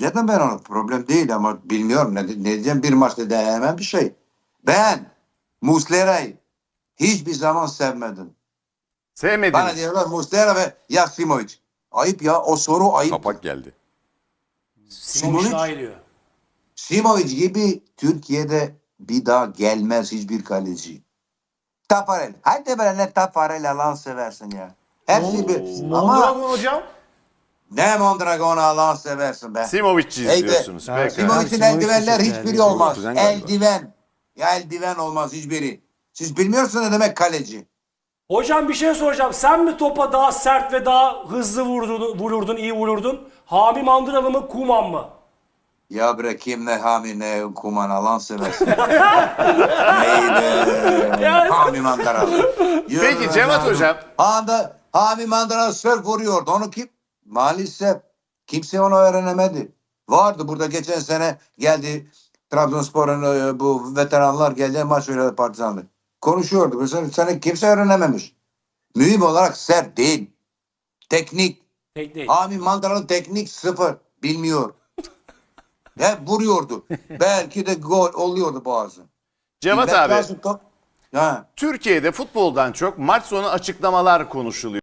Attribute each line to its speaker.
Speaker 1: Zaten ben onu problem değil ama bilmiyorum ne diyeceğim, bir maçta değemem bir şey. Ben Muslera'yı hiçbir zaman sevmedim. Bana
Speaker 2: Sevmediniz.
Speaker 1: diyorlar Muslera ve Yaksimovic. Ayıp ya, o soru ayıp.
Speaker 3: Kapak geldi.
Speaker 4: Simovic daha iyi diyor.
Speaker 1: Simovic gibi Türkiye'de bir daha gelmez hiçbir kaleci. Tafarel. Hadi böyle ne Tafarel Allah'ını seversin ya. Hepsi bir. Ama
Speaker 4: Mondragon hocam.
Speaker 1: ne Mondragon'u Allah'ını seversin be.
Speaker 2: Simovic
Speaker 1: Hey be.
Speaker 2: izliyorsunuz.
Speaker 5: Evet,
Speaker 2: Peki.
Speaker 5: Simovic-
Speaker 1: Simovic'in
Speaker 5: Simovic
Speaker 1: eldivenler
Speaker 5: çok
Speaker 1: hiçbiri
Speaker 5: değerli.
Speaker 1: olmaz.
Speaker 3: Kuzen galiba.
Speaker 1: Eldiven. Ya eldiven olmaz hiçbiri. Siz bilmiyorsunuz ne demek kaleci.
Speaker 4: Hocam bir şey soracağım. Sen mi topa daha sert ve daha hızlı vururdun, iyi vururdun? Hami Mandıralı mı, Kuman mı?
Speaker 1: Ya bre kim ne Hami ne Kuman Allah'ını seversin. Neydi? Hami Mandaralı.
Speaker 2: Peki Cevat Hocam.
Speaker 1: Hami Mandaralı sörf vuruyordu. Onu kim? Maalesef kimse onu öğrenemedi. Vardı burada geçen sene geldi Trabzonspor'un bu veteranlar geldi maç oynadı Partizan'da. Konuşuyordu. Bu sene kimse öğrenememiş. Mühim olarak sert değil. Teknik.
Speaker 4: Tek değil.
Speaker 1: Hami Mandaralı teknik sıfır. Bilmiyor. Hep vuruyordu. Belki de gol oluyordu bazen.
Speaker 2: Cevat
Speaker 1: İlbet
Speaker 2: abi.
Speaker 1: lazım top. Ha.
Speaker 2: Türkiye'de futboldan çok maç sonu açıklamalar konuşuluyor.